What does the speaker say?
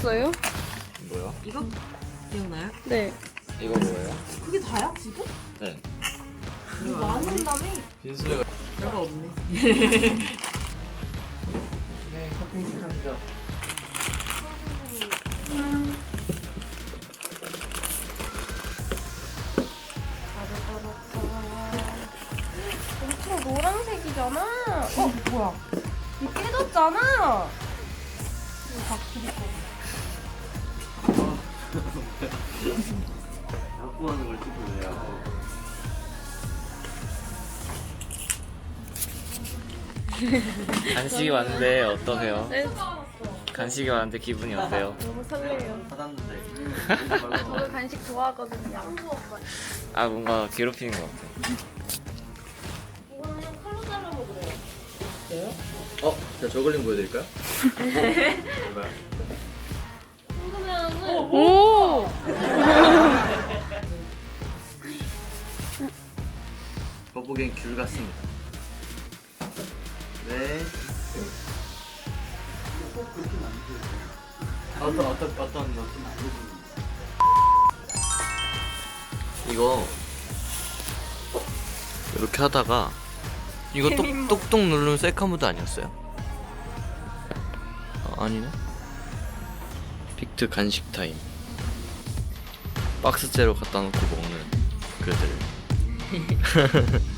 있어요? 뭐야? 이거 기억나요? 네. 이거 뭐예요? 그게 다야 지금? 네. 이거 많이 온다며? 빈수레가 별거 없네. 네, 커피 시작합니다. 엄청 노란색이잖아. 뭐야? 이거 깨졌잖아. 자꾸 하는 걸 찍으세요. 간식이 왔는데 어떠세요? 네. 간식이 왔는데 기분이 어때요? 너무 설레요. 받았는데. 저도 간식 좋아하거든요. 아 뭔가 괴롭히는 것 같아. 이거는 칼로 잘라 먹어요. 제가 저글링 보여드릴까요? 제발. 궁금해하는. 오! 거북이는 귤 같습니다. 네. 어떤 이거 이렇게 하다가 이거 똑똑 누르면 셀카무드 아니었어요? 아니네. 빅트 간식 타임. 박스째로 갖다 놓고 먹는 그들.